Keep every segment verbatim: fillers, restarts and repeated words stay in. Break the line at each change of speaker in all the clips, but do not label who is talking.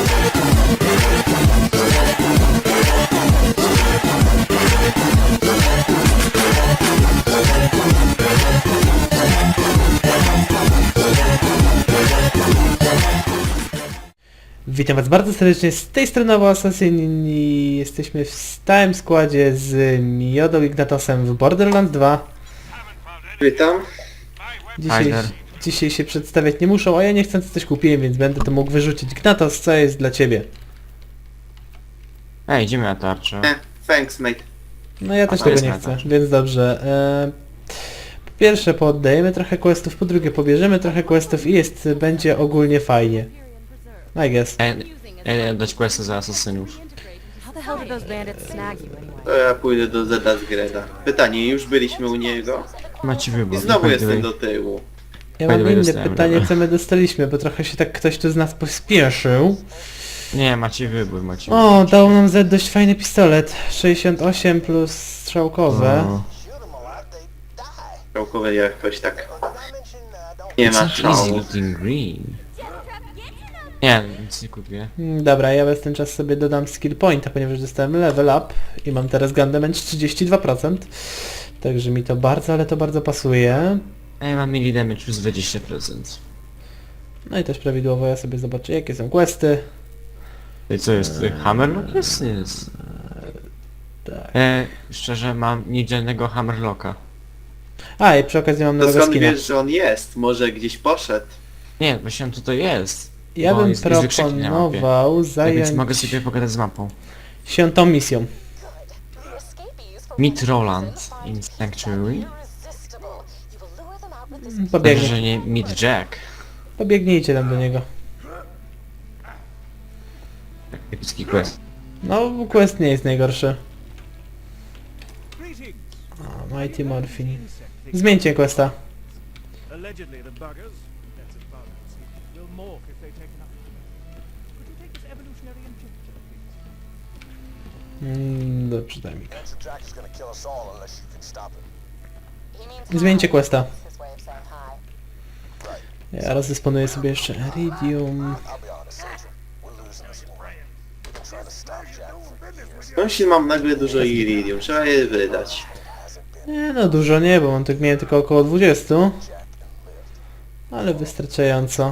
Witam was bardzo serdecznie, z tej strony Nowy Assassin i jesteśmy w stałym składzie z Miodą Ignatosem w Borderlands dwa.
Witam.
Dzisiaj, dzisiaj się przedstawiać nie muszą, a ja niechcący coś kupiłem, więc będę to mógł wyrzucić. Ignatos, co jest dla ciebie?
Ej, idziemy na tarczę.
Eh, thanks mate.
No ja też
to
tego
jest
nie
na
chcę,
tarczy.
więc dobrze. E, po pierwsze pooddajemy trochę questów, po drugie pobierzemy trochę questów i jest, będzie ogólnie fajnie. I guess.
Ej, ej, dać questy za asasynów.
How the hell did those bandits snag you anyway?
To ja pójdę do Zeda Zgreda. Pytanie, już byliśmy u niego
Macie wybór.
i znowu
By the
jestem
way.
do tyłu.
Ja
By the
mam
way,
inne
dostałem,
pytanie,
dobra.
co my dostaliśmy, bo trochę się tak ktoś tu z nas pospieszył.
Nie, macie wybór, macie wybór.
O, dał nam Z dość fajny pistolet. sześćdziesiąt osiem plus strzałkowe.
No.
Całkowo jakoś tak nie ma
It's not easy
szału.
looking green. Nie, nic nie kupię.
Mm, Dobra, ja w ten czas sobie dodam skill pointa, ponieważ dostałem level up i mam teraz gun damage trzydzieści dwa procent. Także mi to bardzo, ale to bardzo pasuje.
Ej, mam melee damage plus dwadzieścia procent.
No i też prawidłowo ja sobie zobaczę jakie są questy.
I co jest? Eee. Hammerlock jest? Jest.
Tak.
E, szczerze mam niedzielnego Hammerlocka.
A i przy okazji mam
To
nowego
skąd
skina.
wiesz, że on jest? Może gdzieś poszedł?
Nie, właśnie on tutaj jest.
Ja
bo
bym
jest- jest wykrzyknik na mapie.
proponował
Tak
zająć
więc mogę sobie pogadać z mapą.
się tą misją.
Meet Roland in Sanctuary.
Pobiegnie.
Dobrze, że nie Meet Jack.
Pobiegnijcie tam do niego.
Tak, epicki quest.
No, quest nie jest najgorszy. O, Mighty Morphin. Zmieńcie questa.
Allegedly, the buggers, that's as far as I see, will morph if they take enough. Could you take this evolutionary injector, please?
Mm, dobrze, daj mi go.
Jack is gonna kill us all unless you can stop him.
Zmieńcie questa.
His way of saying hi.
Ja rozdysponuję sobie jeszcze Iridium.
I'll be honest, Soldier. We're losing this war. We've been trying to stop Jack for years.
Skądś mam nagle dużo iridium, trzeba je wydać.
Nie no, dużo nie, bo mam tak miałem tylko około dwadzieścia. Ale wystarczająco.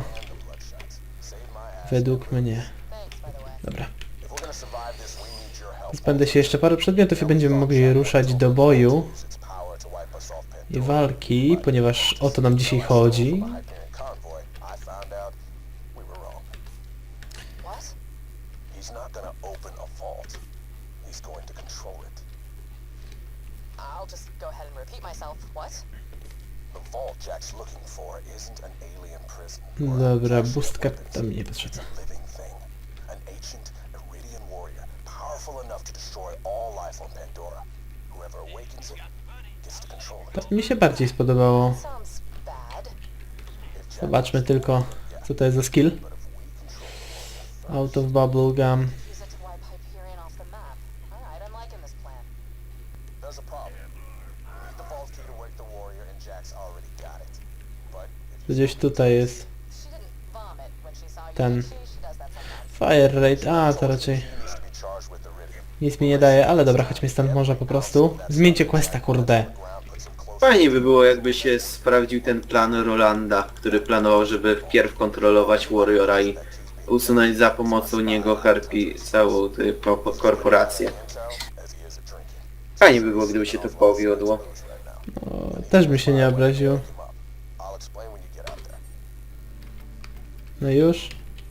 Według mnie. Dobra.
If we're gonna survive this, we need your help.
Pozbędę się jeszcze paru przedmiotów i będziemy mogli ruszać do boju
Use its power to wipe us off
i walki, ponieważ o to nam dzisiaj chodzi.
Hyperion convoy. I found out we were wrong.
What?
He's not gonna open a vault. He's going to control it.
I'll just go ahead and repeat myself. What?
The vault Jack's looking for isn't an alien prison.
Dobra, bustka tam mi nie potrzebna.
Living thing. An ancient Iridian warrior, powerful enough to destroy all life on Pandora. Whoever awakens it gets to control it.
To mi się bardziej spodobało.
Sounds bad.
Zobaczmy tylko, co to jest za skill. Out of bubble gum.
Use it to wipe Hyperion off the map. Alright, I'm liking this plan.
There's a problem. We need the vault key to wake the warrior, and Jack's already got it. But if you
Gdzieś tutaj jest
She didn't vomit when she saw you,
ten
did she? She does that sometimes.
fire rate. A, to raczej
needs to be charged with Iridium,
nic mi nie daje, ale dobra, chodźmy stąd może po prostu. Zmieńcie questa, kurde.
ground puts him close.
Fajnie by było, jakby się sprawdził ten plan Rolanda, który planował, żeby wpierw kontrolować Warriora i usunąć za pomocą niego Harpy całą tę ko- korporację.
As he is at drinking.
Fajnie by było, gdyby się to powiodło.
O, też by się nie obraził.
I'll explain when you get out there.
No już.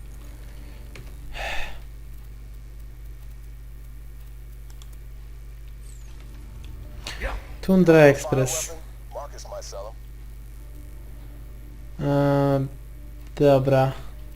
Tundra Express.
Marcus might sell him.
Eee, dobra.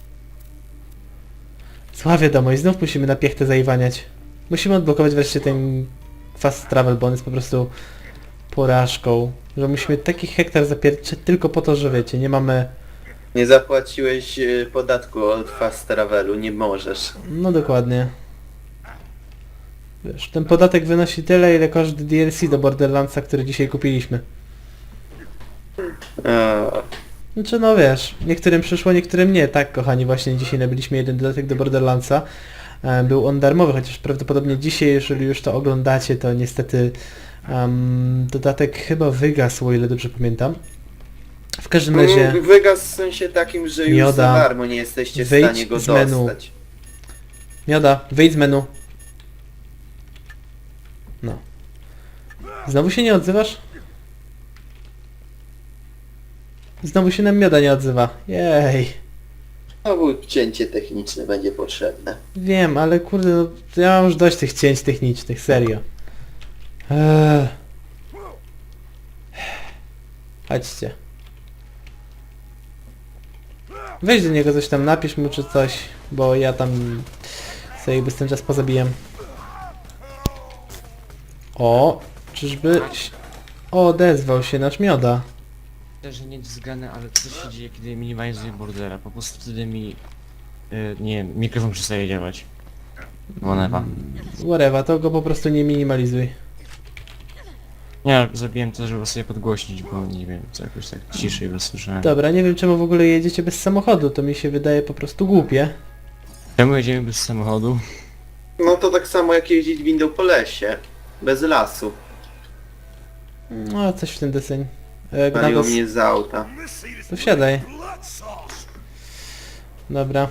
Zła wiadomość, znów musimy na piechtę zaiwaniać. Musimy odblokować wreszcie ten fast travel, bo on jest po prostu porażką. Że musimy taki hektar zapierczyć tylko po to, że wiecie, nie mamy...
Nie zapłaciłeś e, podatku od fast travelu, nie możesz.
No dokładnie. Wiesz, ten podatek wynosi tyle, ile koszt D L C do Borderlandsa, który dzisiaj kupiliśmy.
Eee,
Znaczy no wiesz, niektórym przyszło, niektórym nie. Tak, kochani, właśnie dzisiaj nabyliśmy jeden dodatek do Borderlandsa. E, Był on darmowy, chociaż prawdopodobnie dzisiaj, jeżeli już to oglądacie, to niestety um, dodatek chyba wygasł, o ile dobrze pamiętam. W każdym razie...
Mm, Wygasł w sensie takim, że już
Mioda,
za darmo nie jesteście w
wyjdź
stanie go
z menu.
dostać.
Mioda, wyjdź z menu. No. Znowu się nie odzywasz? Znowu się nam Mioda nie odzywa. Jej.
Znowu cięcie techniczne będzie potrzebne.
Wiem, ale kurde, no, ja mam już dość tych cięć technicznych, serio. Eee. Chodźcie. Weź do niego coś tam, napisz mu czy coś, bo ja tam sobie jakby ten czas pozabijam. O, czyżby... O, odezwał się nasz Mioda.
Też nie względne, ale co się dzieje, kiedy minimalizuję bordera? Po prostu wtedy mi... Yy, nie wiem, mikrofon przestaje działać. Whatever.
Whatever, to go po prostu nie minimalizuj.
Nie, zrobiłem to, żeby sobie podgłośnić, bo nie wiem, co jakoś tak ciszej wysłyszałem.
Dobra, nie wiem czemu w ogóle jedziecie bez samochodu, to mi się wydaje po prostu głupie.
Czemu jedziemy bez samochodu?
No to tak samo jak jeździć windą po lesie. Bez lasu.
No, coś w ten deseń. E,
Paliło
Gnados,
mnie z auta.
to wsiadaj. Dobra.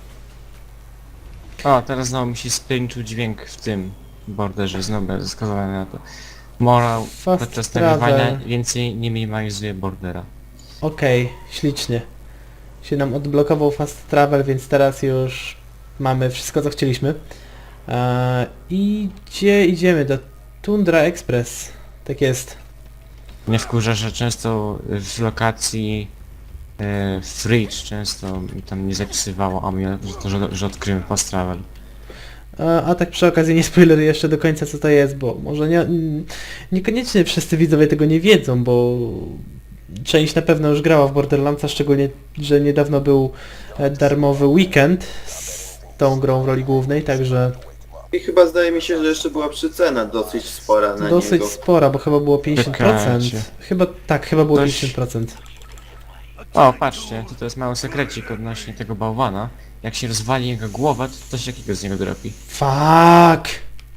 O, teraz znowu mi się spięczył dźwięk w tym borderze, znowu będę skazany na to. Morał
Fast
podczas
travel.
nagrywania więcej nie minimalizuje bordera.
Okej, ślicznie. Się nam odblokował fast travel, więc teraz już mamy wszystko co chcieliśmy. E, I gdzie idziemy? Do Tundra Express. Tak jest.
Mnie wkurza, że często w lokacji e, Fridge często mi tam nie zapisywało, a mnie, że to, że, że odkryłem fast travel.
A, a tak przy okazji nie spoileruję jeszcze do końca co to jest, bo może nie, mm, niekoniecznie wszyscy widzowie tego nie wiedzą, bo część na pewno już grała w Borderlandsa, szczególnie, że niedawno był e, darmowy weekend z tą grą w roli głównej, także
I chyba zdaje mi się, że jeszcze była przycena dosyć spora na
dosyć
niego.
spora, bo chyba było pięćdziesiąt procent.
Czekajcie.
Chyba, tak, chyba było
Coś-
pięćdziesiąt procent.
O, patrzcie, to, to jest mały sekrecik odnośnie tego bałwana. Jak się rozwali jego głowę, to coś takiego z niego dropi.
Fuck!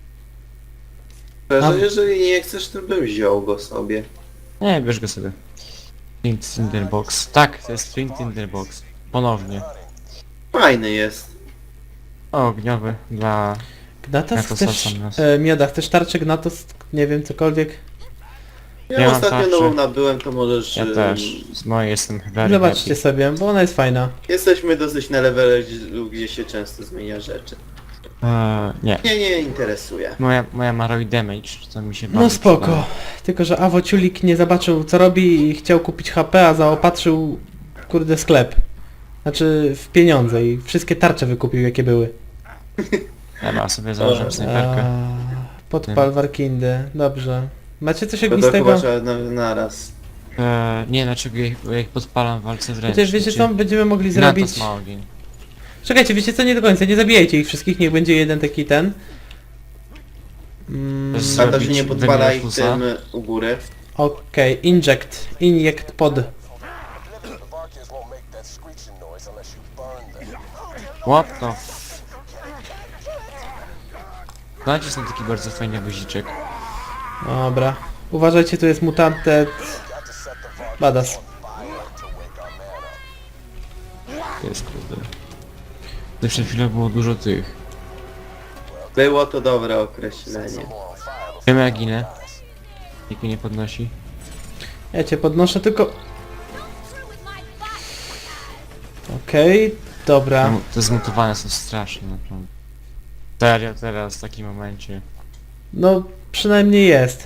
Że
A-
jeżeli nie chcesz, to bym wziął go sobie.
Nie, bierz go sobie. Flint Tinderbox. Tak, to jest Flint Tinderbox. Ponownie.
Fajny jest.
O, ogniowy dla...
Gnatos
Ja to
chcesz...
sam nas.
E, Mioda, chcesz tarczę Gnatos? Nie wiem, cokolwiek?
Ja,
Ja mam
ostatnio
tarczę.
nową nabyłem, to możesz...
Ja
ym,
też. Z mojej jestem very
Zobaczcie
happy.
sobie, bo ona jest fajna.
Jesteśmy dosyć na levelu, gdzie się często zmienia rzeczy.
Eee, nie.
Nie, nie interesuje.
Moja, moja ma robi damage, to mi się
No
bardzo
spoko.
przydaje.
Tylko, że Awo Ciulik nie zobaczył co robi i chciał kupić H P, a zaopatrzył kurde sklep. Znaczy w pieniądze i wszystkie tarcze wykupił jakie były.
Dobra, sobie założę snajperkę.
A, podpal Warkindy. Dobrze. Macie coś
To to
ognistego?
chyba trzeba na, naraz.
Eee, nie, dlaczego ja ich, ja ich podpalam w walce wręcz.
Chociaż wiecie co będziemy mogli
Gnatos
zrobić?
ma ogień.
Czekajcie, wiecie co? Nie do końca, nie zabijajcie ich wszystkich, niech będzie jeden taki ten. Mm,
Z-
A to się
Zrobić
nie podpala ich
Wemirefusa?
tym u góry.
Okej, inject. Inject pod.
The Varkians won't make that screeching noise unless you burn them.
What the f... Znacie, jest taki bardzo fajny guziczek.
Dobra. Uważajcie, tu jest mutanted.
Got to set the Varkians
Badass.
on fire to wake our man up.
To jest kurde. To przed chwilą było dużo tych.
Było to dobre określenie.
More on fire before
Wiemy jak ginę. Nikt mnie nie podnosi.
Ja cię podnoszę tylko... Okej, dobra.
No, te zmutowane są straszne naprawdę. Serio teraz w takim momencie.
No, przynajmniej jest.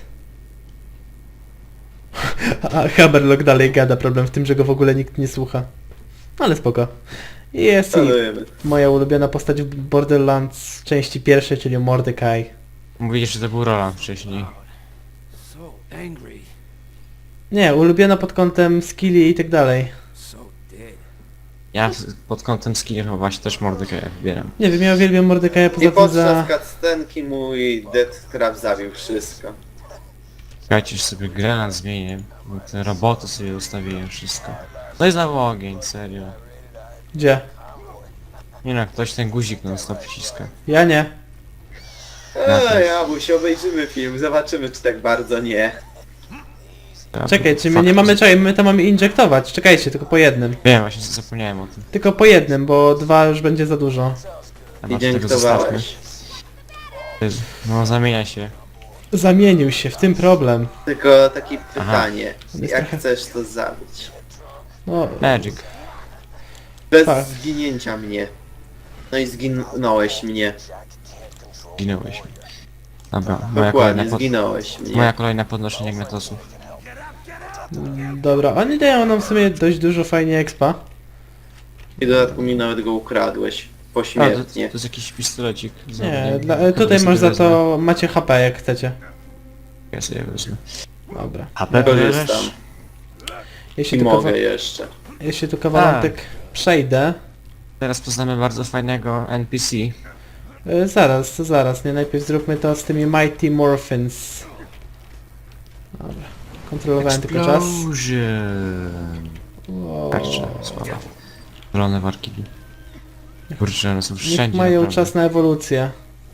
A Haberlock dalej gada, problem w tym, że go w ogóle nikt nie słucha. Ale spoko. Jest i
Szanujemy.
moja ulubiona postać w Borderlands części pierwszej, czyli Mordecai.
Mówili, że to był Roland wcześniej.
So angry,
Nie, ulubiona pod kątem skilli i tak dalej.
so dead.
Ja w- pod kątem skillów właśnie też Mordekaja wybieram.
Nie wiem, ja uwielbiam Mordecai'a
I
poza tym
podczas
za...
cutscenki mój Deathtrap zabił wszystko.
Słuchajcie, że sobie grę nad zmienię. Bo te roboty sobie ustawiłem wszystko. No i znowu ogień, serio.
Gdzie?
Nie no, ktoś ten guzik non stop przyciska.
Ja nie.
Eee, Abuś, obejrzymy film, zobaczymy czy tak bardzo nie.
Ja
Czekaj,
to
czy my
fakt,
nie mamy
że-
czekaj, my to mamy injektować. Czekajcie, tylko po jednym.
Wiem, właśnie zapomniałem o tym.
Tylko po jednym, bo dwa już będzie za dużo.
A może tego zostawmy.
Dziękowałeś.
Jezu, no zamienia się.
Zamienił się, w tym problem.
Tylko takie pytanie,
jest
jak
trochę-
chcesz to zabić?
No,
Magic.
Bez
Tak.
zginięcia mnie. No i zginąłeś mnie.
Zginąłeś mi. Dobra, moja kolejna,
Dokładnie,
pod...
zginąłeś mnie.
moja kolejna podnoszenie gmetosów.
dobra, oni dają nam w sumie dość dużo fajnie expa.
I w dodatku mi nawet go ukradłeś.
A, to,
Pośmiertnie.
to jest jakiś pistolecik.
Nie, dla,
Chyba
tutaj
sobie
masz za
wezmę.
to, macie H P jak chcecie.
Ja sobie wezmę.
Dobra.
H P
Korzystam.
bierzesz?
Jeśli
I
tu, kawa
mogę jeszcze.
jeśli tu kawałek przejdę...
Teraz poznamy bardzo fajnego N P C.
Y, zaraz, zaraz, nie? Najpierw zróbmy to z tymi Mighty Morphins. Dobra. Kontrolowałem tylko czas.
Explosion.
Wow.
Tarcze, słaba. Zielone warki. Kurczę, one są
Niech
wszędzie.
mają
naprawdę.
czas na ewolucję.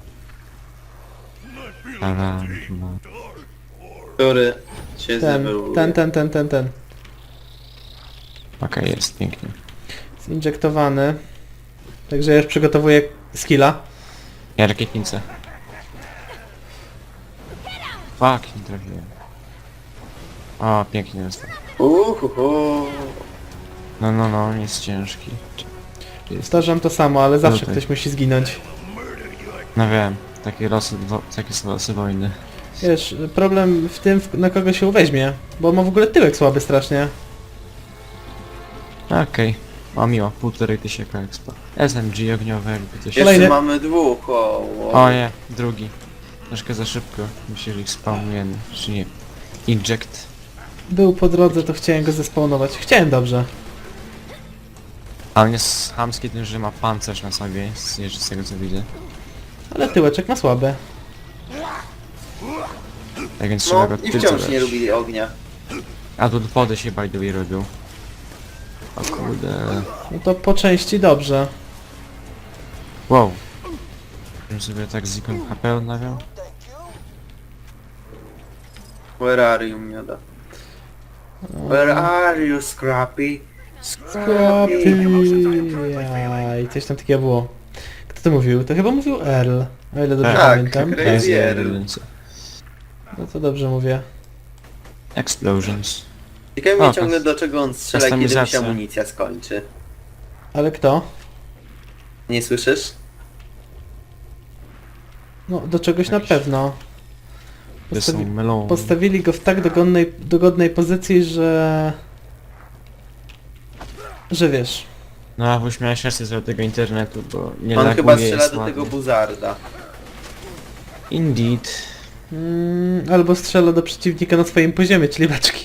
Ale, no.
Który się
Ten,
zewoluuje.
ten, ten, ten, ten, ten.
Okej, jest pięknie.
Zinjektowany. Także ja już przygotowuję skilla.
Ja rakietnicę. Fuck, nie trafiłem. O, pięknie dostał.
Uhuhu.
No, no, no, jest ciężki. Jest.
Powtarzam to samo, ale zawsze
Tutaj.
ktoś musi zginąć.
No wiem, takie losy, wo- takie są losy wojny.
Wiesz, problem w tym, w- na kogo się uweźmie. Bo ma w ogóle tyłek słaby strasznie.
Okej. O miło, półtorej tysiąca expa. S M G ogniowe, jakby coś...
Jeszcze
Kolejny.
mamy dwóch, o, o.
O nie, drugi. Troszkę za szybko. Myślę, że ich spawnujemy, czy nie. Inject.
Był po drodze, to chciałem go zespawnować. Chciałem dobrze.
A on jest chamski tym, że ma pancerz na sobie, z, jeszcze z tego co widzę.
Ale tyłeczek ma słaby.
Tak więc trzeba
No
go
i
tylce
wciąż
dać.
nie lubi ognia.
A tu pody się by the way robią. O kurde.
No to po części dobrze.
Wow. Żebym sobie tak z ikon H P odnawiał.
Where are you, mioda? Where are you, Scrappy?
Scrappy. Jaj, coś tam takiego było. Kto to mówił? To chyba mówił Earl. O ile dobrze
Tak,
pamiętam.
Crazy
Crazy
Earl.
Earl.
No to dobrze mówię.
Explosions.
Ciekawe
O,
mnie ciągle do czego on strzela, kiedy mu się
kustomizacja.
amunicja skończy.
Ale kto?
Nie słyszysz?
No do czegoś na
Jakiś-
pewno.
To są
Postawi
melony.
postawili go w tak dogodnej, dogodnej pozycji, że... Że wiesz.
No a już miałeś rację z tego internetu, bo nie
On
laguje,
chyba strzela
jest
do tego
ładnie.
buzarda.
Indeed.
Mm, albo strzela do przeciwnika na swoim poziomie, czyli beczki.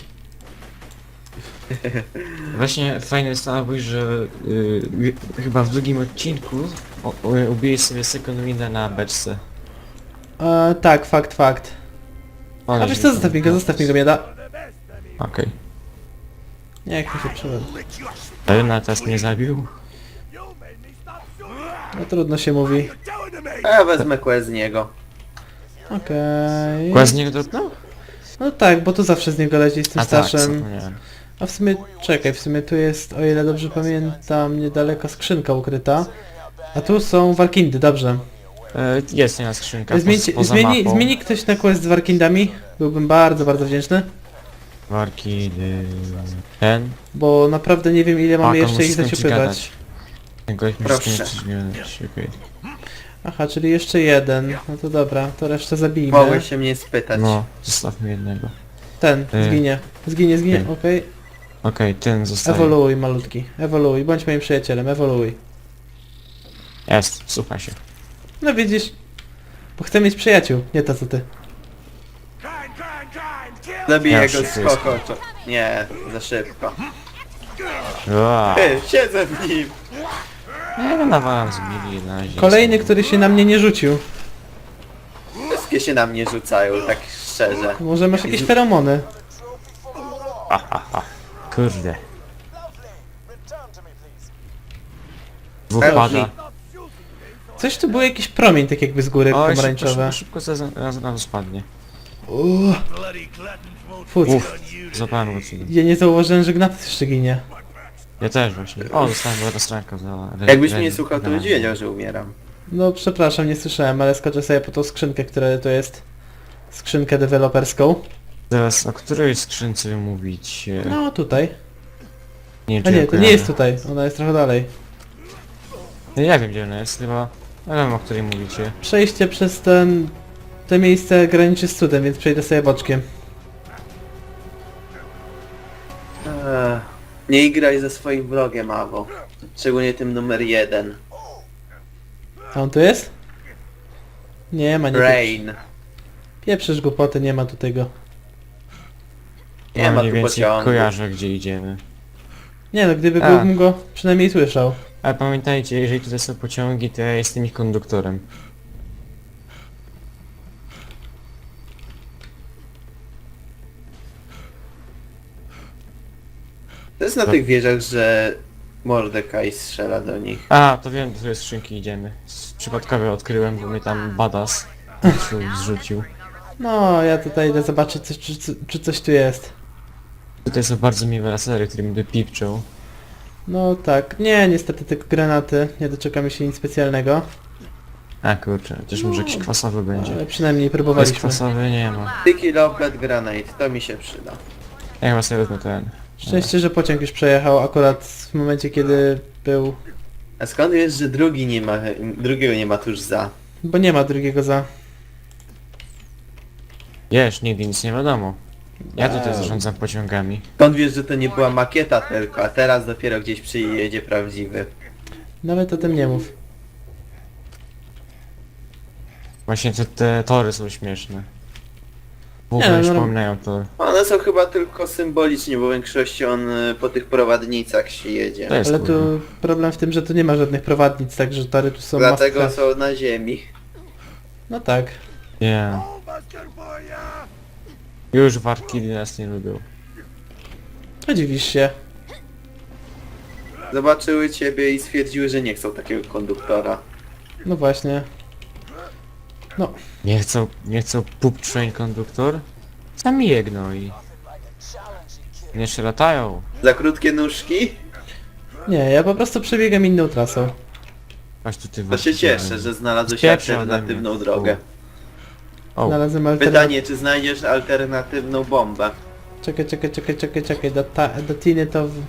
Właśnie fajne jest to, Abuś, że y, chyba w drugim odcinku o- y, ubiłeś sobie second winda na beczce.
E, tak, fakt, fakt.
Ale
A wiesz
się
co,
tam-
zostaw mi go, zostaw mi go, mieda.
Okej.
Nie, jak mi się przyszedł.
Okay. Ale teraz mnie zabił?
No trudno się mówi.
A ja wezmę quest z niego.
Okej.
Kład z niego dropnął?
No tak, bo tu zawsze z niego leci z tym
A tak,
starszym.
zapomniałem.
A w sumie, czekaj, w sumie tu jest, o ile dobrze pamiętam, niedaleko skrzynka ukryta. A tu są warkindy, dobrze.
E, jest jedna skrzynka
Zmieńcie,
po, poza
zmieni,
mapą.
zmieni ktoś na quest z warkindami? Byłbym bardzo, bardzo wdzięczny.
Warki, y, ten.
Bo naprawdę nie wiem ile mamy
Pak, on
jeszcze
musi
ich
skończyć
zaciupywać.
gadać. Tego musi
Proszę.
skończyć gadać, okej.
Aha, czyli jeszcze jeden. No to dobra, to resztę zabijmy.
Mogłeś się mnie spytać.
No, zostawmy jednego.
Ten,
Y.
zginie. Zginie, zginie,
Y.
okej.
Okej, ten zostaje.
Ewoluuj malutki, ewoluuj, bądź moim przyjacielem, ewoluuj.
Jest, słucha się.
No widzisz, bo chcę mieć przyjaciół, nie to co ty.
Zabiję
Ja
go
już
z
jestem.
kokoczo. Nie, za szybko.
Ua.
Ty, siedzę w nim.
Ja go nawalam z mili na razie.
Kolejny, który się na mnie nie rzucił.
Wszystkie się na mnie rzucają, tak szczerze.
Może masz jakieś feromony?
Kurde. Dwóch
Elfi.
pada.
Coś tu był jakiś promień tak jakby z góry
Oj, szybko,
pomarańczowe.
szybko, szybko zaraz, zaraz, zaraz spadnie.
Uuu, Fut.
Uff, złapałem go cudo.
Ja nie zauważyłem, że Gnatus jeszcze ginie.
Ja też właśnie. O, dostałem była stranka za... re-
Jakbyś
re-
mnie słuchał, to
re-
byś wiedział, że umieram.
No przepraszam, nie słyszałem, ale skoczę sobie po tą skrzynkę, która to jest skrzynkę deweloperską.
Teraz o której skrzynce wy mówicie?
No tutaj.
Nie,
A
czy
nie,
ja
to nie
kojarzę.
jest tutaj, ona jest trochę dalej.
Ja nie wiem gdzie ona jest, chyba... Ja wiem o której mówicie.
Przejście przez ten... to miejsce graniczy z cudem, więc przejdę sobie boczkiem.
Eee, nie graj ze swoim wrogiem, Awo. Szczególnie tym numer jeden.
A on tu jest? Nie ma, nie
Rain.
Pieprzysz głupoty, nie ma tu tego.
Nie
Ja
ma
mniej
tu
więcej
pociągu.
kojarzę gdzie idziemy.
Nie no, gdyby
A.
był, bym go przynajmniej słyszał.
Ale pamiętajcie, jeżeli tutaj są pociągi, to ja jestem ich konduktorem.
To jest na tych wieżach, że Mordekaj strzela do nich.
A, to wiem, do której skrzynki idziemy. S- Przypadkowo odkryłem, bo mnie tam badass zrzu- zrzucił.
No, ja tutaj idę zobaczyć, coś, czy, czy, czy coś tu jest.
Tutaj są bardzo miłe lasery, które mi dopipczą.
No tak, nie, niestety tylko granaty, nie doczekamy się nic specjalnego.
A kurczę, chociaż może jakiś kwasowy będzie.
Ale przynajmniej
Bez
próbowaliśmy.
kwasowy nie ma.
Sticky Lopet Granate, to mi się przyda.
Ja chyba sobie wezmę ten.
Szczęście, że pociąg już przejechał akurat w momencie, kiedy był...
A skąd wiesz, że drugi nie ma, drugiego nie ma tuż za?
Bo nie ma drugiego za...
Wiesz, nigdy nic nie wiadomo. Ja tutaj
Eee.
zarządzam pociągami.
Skąd wiesz, że to nie była makieta tylko, a teraz dopiero gdzieś przyjedzie prawdziwy?
Nawet o tym nie mów.
Właśnie te, te tory są śmieszne. W
Nie,
ogóle
no, no.
przypominają tor.
One są chyba tylko symbolicznie, bo w większości on y, po tych prowadnicach się jedzie.
To jest
Ale
kurwa.
tu problem w tym, że tu nie ma żadnych prowadnic, także tory tu są
Dlatego
must have.
są na ziemi.
No tak.
Nie. Już warkili nas nie lubią.
No dziwisz się.
Zobaczyły ciebie i stwierdziły, że nie chcą takiego konduktora.
No właśnie. No,
Nie chcą, nie chcą pup train konduktor? Sami je gnoi. Nie się latają.
Za krótkie nóżki?
nie, ja po prostu przebiegam inną trasą.
Chodź tu ty
To
warki
się cieszę,
działają.
że znalazłeś
Spieprzaj ode
alternatywną
mnie.
drogę.
O,
Znalazłem alternatywę.
Pytanie, czy znajdziesz alternatywną bombę?
Czekaj, czekaj, czekaj, czekaj, czekaj. Do, ta, do Tiny to... w-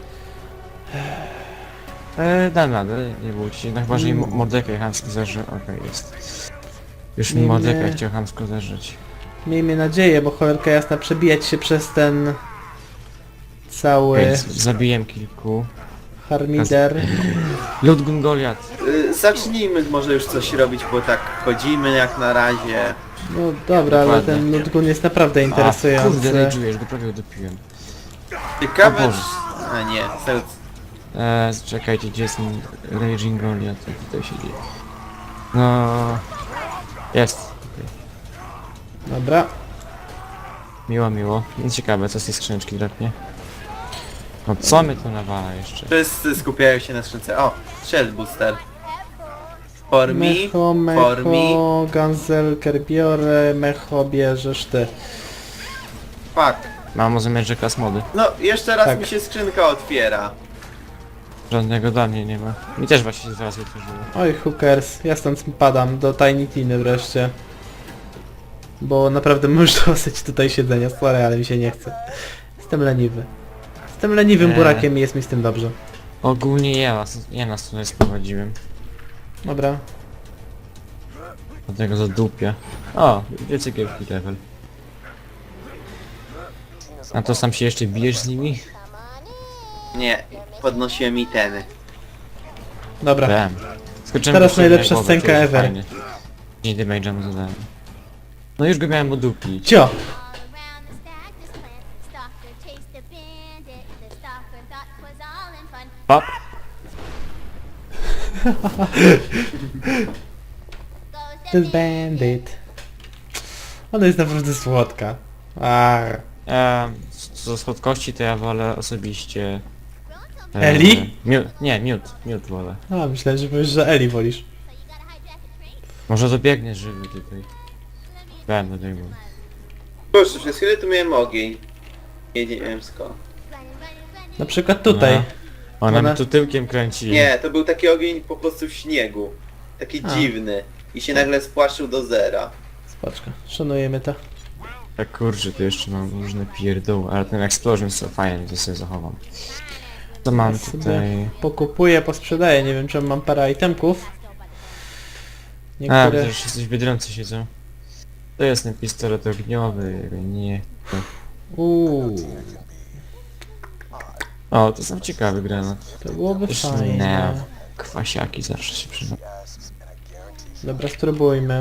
e, dam radę, nie bójcie się. No chyba, że im
Mm.
Mordekaj chamsko zerze. Okej, jest. Już mi
Nie,
Mordekaj
nie.
chciał chamsko zerzyć.
Miejmy nadzieję, bo cholerka jasna przebijać się przez ten... cały
Więc zabiłem kilku.
harmider.
Ludgun Goliat.
Y, zacznijmy może już coś robić, bo tak chodzimy jak na razie.
No dobra, ale
Dokładnie.
ten Nutgun jest naprawdę
A, kurde,
interesujący.
rage'ujesz, go prawie udupiłem.
Ciekawe,
O Boże.
czy... A nie, Zeus.
Eee, czekajcie, gdzie jest ten Raging Goliath? Co tutaj się dzieje? No... Jest. Okay.
Dobra.
Miło, miło. Nic ciekawe, co z tej skrzyneczki drapnie. No co my tu nawala jeszcze?
Wszyscy skupiają się na skrzynce. O, Shell Booster. For me,
Mecho,
for me.
mecho, Ganzelker biorę, mecho bierzesz ty.
Fuck.
Mam zamiar, że klas mody.
No, jeszcze raz
Tak.
mi się skrzynka otwiera.
Żadnego dla mnie nie ma. Mi też właśnie się zaraz otworzyło.
Oj, hookers, ja stąd padam do Tiny Tiny wreszcie. Bo naprawdę już dosyć tutaj siedzenia, sorry, ale mi się nie chce. Jestem leniwy. Jestem leniwym
Eee.
burakiem i jest mi z tym dobrze.
Ogólnie ja was, ja nas tutaj sprowadziłem.
Dobra.
Do tego zadupia. O, wiecie gierki level. A to sam się jeszcze bijesz z nimi?
Nie, podnosiłem itemy.
Dobra.
Wiem. Skoczyłem
Teraz
go sobie
najlepsza
na głowę,
scenka
to jest
ever.
fajnie. dziesięć damage'a mu zadałem. No już go miałem udupić.
Cio!
All around the stack, this plant, the stalker chased a bandit. The stalker thought 'twas all in fun.
Pop!
Goes
Ten
the
bandit. Ona jest naprawdę słodka. Ach.
Eee, co do słodkości to ja wolę osobiście
Growing so
E,
Eli?
Miód, nie, miód, miód wolę.
A, myślałem, że powiesz, że Eli wolisz.
So you gotta hijack a train?
Może dobiegniesz żywy tutaj. Będę dojmą.
Proszę, przez chwilę tu miałem ogień. Nie, nie wiem skąd.
Running, running, running.
Na przykład tutaj.
No. Ona
Ona-
mi tu tyłkiem kręci.
Nie, to był taki ogień po prostu w śniegu. Taki
A.
dziwny. I się nagle spłaszczył do zera.
Spoczko, szanujemy to.
Tak kurczę, tu jeszcze mam różne pierdoły, ale ten explosion so fajnie, to sobie zachowam. Co mam
Ja sobie
tutaj?
pokupuję, posprzedaję, nie wiem, czy mam parę itemków.
A,
Niektóre...
widzę, że coś biedroncy siedzą. To jest ten pistolet ogniowy, nie. To...
Uuu,
O, to są ciekawy granat.
to byłoby
Też
fajne.
nie. Kwasiaki zawsze się przyda.
asks, and I guarantee
Dobra, spróbujmy.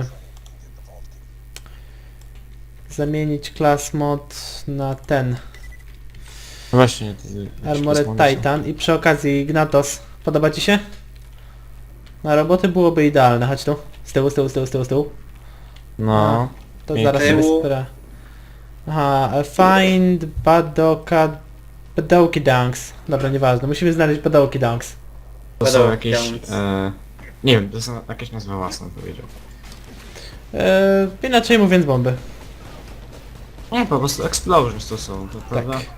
Zamienić class mod na ten.
No właśnie, to...
Armored Titan i przy okazji Gnatos. Podoba ci się? Na roboty byłoby idealne, chodź tu. Z tyłu, z tyłu, z tyłu, z tyłu, z tyłu.
No.
To
I
zaraz sobie
tyłu.
spra... Aha, find Badoka... Badoki Dunks. Dobra, nieważne, musimy znaleźć Badoki Dunks.
To są
Padał
jakieś...
ksiądz.
E, nie wiem, to są jakieś nazwy własne, powiedział.
Eee, inaczej mówiąc bomby.
Nie, po prostu explosions to są, to prawda?
Tak.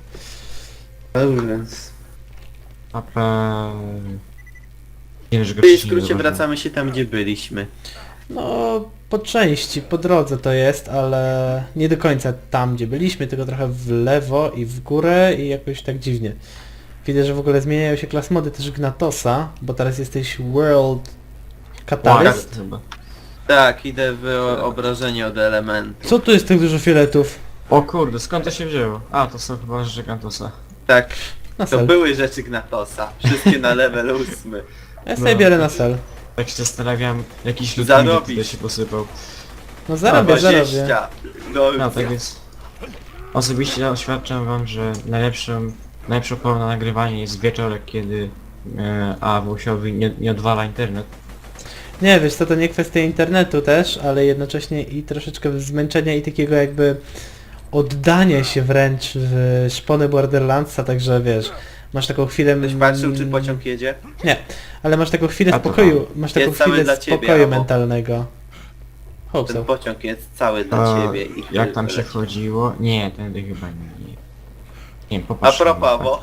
Więc...
A pe... Nie wiem, że go
W
wcześniej nie
skrócie
zauważyłem.
wracamy się tam, gdzie byliśmy.
No, po części, po drodze to jest, ale nie do końca tam, gdzie byliśmy, tylko trochę w lewo i w górę i jakoś tak dziwnie. Widzę, że w ogóle zmieniają się klas mody też Gnatosa, bo teraz jesteś World Catalyst.
chyba.
Tak, idę w o- obrażenie od elementu.
Co tu jest tak dużo fioletów?
O kurde, skąd to się wzięło? A, to są chyba rzeczy Gantosa.
Tak,
Na
to
sel.
były rzeczy Gnatosa. Wszystkie na level ósmy.
Ja sobie
No.
biorę na sel.
Tak się zastanawiam, jakiś
Zarobić.
lud tutaj się posypał.
No zarobię, zarobię.
dwadzieścia.
No
No,
tak więc... Osobiście oświadczam wam, że najlepszą, najlepszą porą na nagrywanie jest wieczorek, kiedy e, A Włosiowi nie, nie odwala internet.
Nie, wiesz co, to nie kwestia internetu też, ale jednocześnie i troszeczkę zmęczenia i takiego jakby oddania się wręcz w szpony Borderlandsa, także wiesz, masz taką chwilę...
Ktoś patrzył, czy pociąg jedzie?
Nie, ale masz taką chwilę
A to
spokoju, masz taką
Jest cały
chwilę
dla ciebie,
spokoju
albo-
mentalnego. Hope
Ten
so.
pociąg jest cały dla
A
ciebie. I
jak tam się
leci.
chodziło? Nie, tędy chyba nie. Nie wiem,
A
popatrz.
propos, bo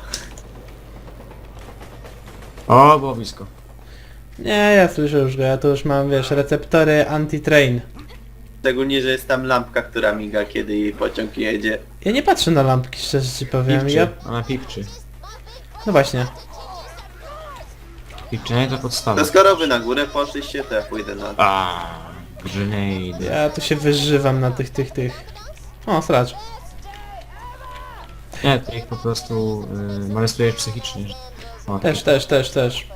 O, było blisko.
Nie, ja słyszę już go, ja tu już mam, wiesz, receptory anti-train.
szczególnie, że jest tam lampka, która miga, kiedy jej pociąg jedzie.
Ja nie patrzę na lampki, szczerze ci powiem,
Pipczy,
ja...
ona pipczy.
No właśnie.
Pipczenie to podstawa.
To skoro wy na górę poszliście, to ja pójdę na dół.
A, grenade.
Ja tu się wyżywam na tych, tych, tych... O, sracz.
Nie, ty ich po prostu y, molestujesz psychicznie. że- O,
Też, też, też, też.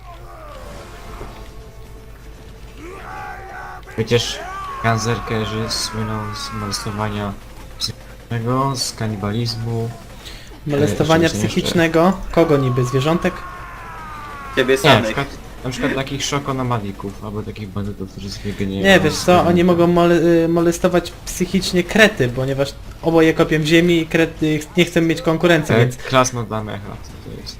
Przecież ganzerkerzy słyną z molestowania psychicznego, z kanibalizmu.
Molestowania
jeszcze-
psychicznego? Kogo niby? Zwierzątek?
Ciebie
Nie, na
samych.
przykład, na przykład takich szokonomadików, albo takich bandytów, którzy sobie gnieją.
Nie, wiesz co, oni mogą mole y, molestować psychicznie krety, ponieważ oboje kopią w ziemi i krety nie chcą mieć konkurencji,
Tak,
więc...
klasno dla mecha, co to jest.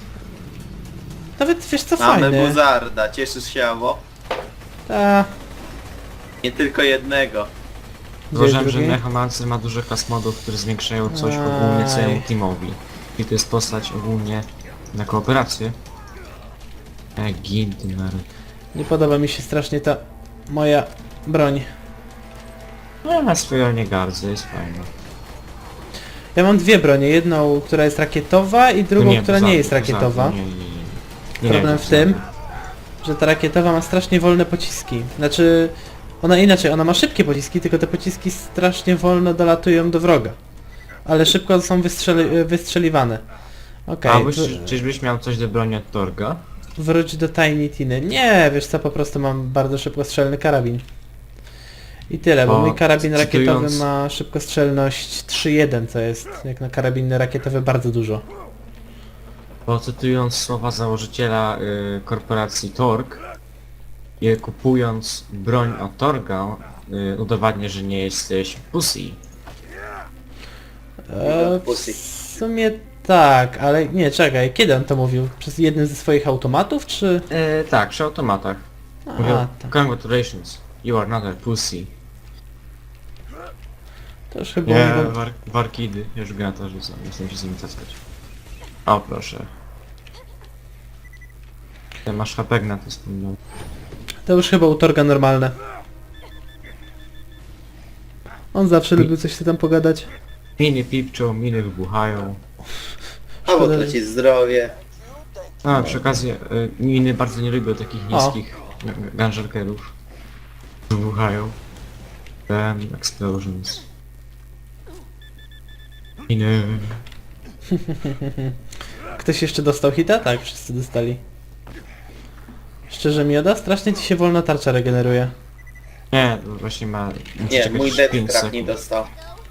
Nawet wiesz co,
Mamy
fajne.
buzarda, cieszysz się, Awo?
Ta...
Nie tylko jednego.
Gdzie jest
Zauważyłem, że
drugi?
Mechamancer ma dużo klas modów, które zwiększają coś
Aj.
ogólnie całemu teamowi. I to jest postać ogólnie na kooperację. E, Gindner.
Nie podoba mi się strasznie ta moja broń.
No, na swoją nie gardzę, jest fajna.
Ja mam dwie bronie, jedną, która jest rakietowa i drugą,
No
która
poza-
nie jest
poza-
rakietowa.
Nie, nie, nie. nie.
Problem
nie,
w tym, że ta rakietowa ma strasznie wolne pociski. Znaczy, ona inaczej, ona ma szybkie pociski, tylko te pociski strasznie wolno dolatują do wroga. Ale szybko są wystrzeli wystrzeliwane. Okej,
A byś,
wr-
czyżbyś miał coś do broni od Torga?
wróć do Tiny Tiny. Nie, wiesz co, po prostu mam bardzo szybkostrzelny karabin. I tyle, bo
Bo
mój karabin rakietowy
cytując-
ma szybkostrzelność trzy jeden, co jest jak na karabiny rakietowe bardzo dużo.
Bo cytując słowa założyciela y, korporacji Torg, y, kupując broń od Torga, y, udowadnię, że nie jesteś pussy.
E, w
Pussy.
sumie tak, ale nie, czekaj, kiedy on to mówił? Przez jednym ze swoich automatów, czy...
E, tak, przy automatach.
A,
Mówią,
tak.
congratulations, you are not a pussy.
To już chyba...
Nie,
niego-
war, warkidy, już gra to rzucam, nie chcę się z nimi taskać. O proszę. Ty masz H P na to wspomniał.
To już chyba u Torga normalne. On zawsze lubił coś sobie tam pogadać.
Miny pipczą, miny wybuchają.
Albo
Szkoda, że-
tracić zdrowie.
A, przy okazji, y, miny bardzo nie lubią takich
O.
niskich gunjerkerów. Wybuchają. Then explosions. Miny.
Ktoś jeszcze dostał hita? Tak, wszyscy dostali. Szczerze Mioda, strasznie ci się wolno tarcza regeneruje.
Nie, to właśnie ma... musi
Nie,
czekać
mój dead
pięć
trap nie
sekund.
dostał.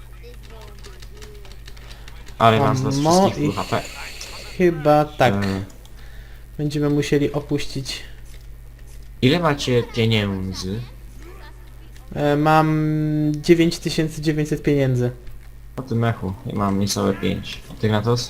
Ale
A
mam z was
mo
wszystkich
ich-
full H P.
Chyba tak.
E,
Będziemy musieli opuścić.
ile macie pieniędzy?
E, mam dziewięć tysięcy dziewięćset pieniędzy.
O tym mechu, ja mam niecałe pięć. Ty na to?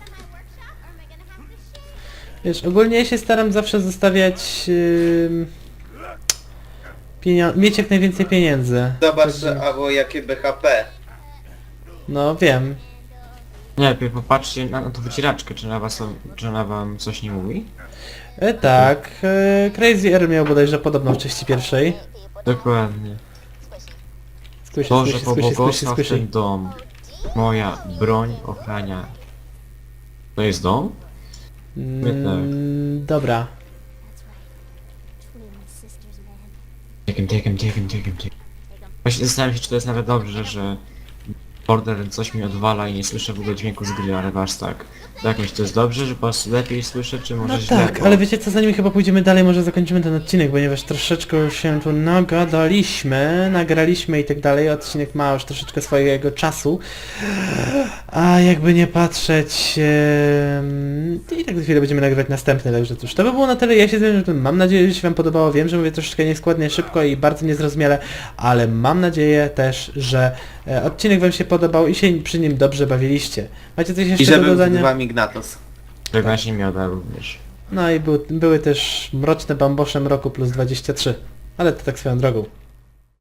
Wiesz, ogólnie ja się staram zawsze zostawiać... Yy, pienio- mieć jak najwięcej pieniędzy.
Zobacz,
Także-
albo jakie B H P.
No wiem.
Nie, lepiej popatrzcie na, na tą wycieraczkę, czy ona, was, czy ona wam coś nie mówi?
E, tak, e, Crazy Air miał bodajże podobno w części pierwszej.
Dokładnie.
Squishy,
Boże,
squishy, squishy, squishy,
pobłogosław
squishy.
ten dom. Moja broń ochrania. To jest dom?
Mm, dobra.
Takem, takem, takem, takem, takem. Właśnie zastanawiam się, czy to jest nawet dobrze, że Border coś mi odwala i nie słyszę w ogóle dźwięku z gry, ale wasz tak. Tak, myślę, to jest dobrze, że po prostu lepiej słyszę, czy może
No
źle?
tak,
bo-
ale wiecie co, zanim chyba pójdziemy dalej, może zakończymy ten odcinek, ponieważ troszeczkę się tu nagadaliśmy, nagraliśmy i tak dalej, odcinek ma już troszeczkę swojego czasu, a jakby nie patrzeć, em, i tak za chwilę będziemy nagrywać następny, także cóż, to by było na tyle, ja się z tym mam nadzieję, że się wam podobało, wiem, że mówię troszeczkę nieskładnie, szybko i bardzo niezrozumiale, ale mam nadzieję też, że e, odcinek wam się podobał i się przy nim dobrze bawiliście. Macie coś
I
jeszcze
że
do
był z
dodania?
wami Gnatos.
Żegna się mioda również.
No i był, były też mroczne bambosze mroku plus dwadzieścia trzy. Ale to tak swoją drogą.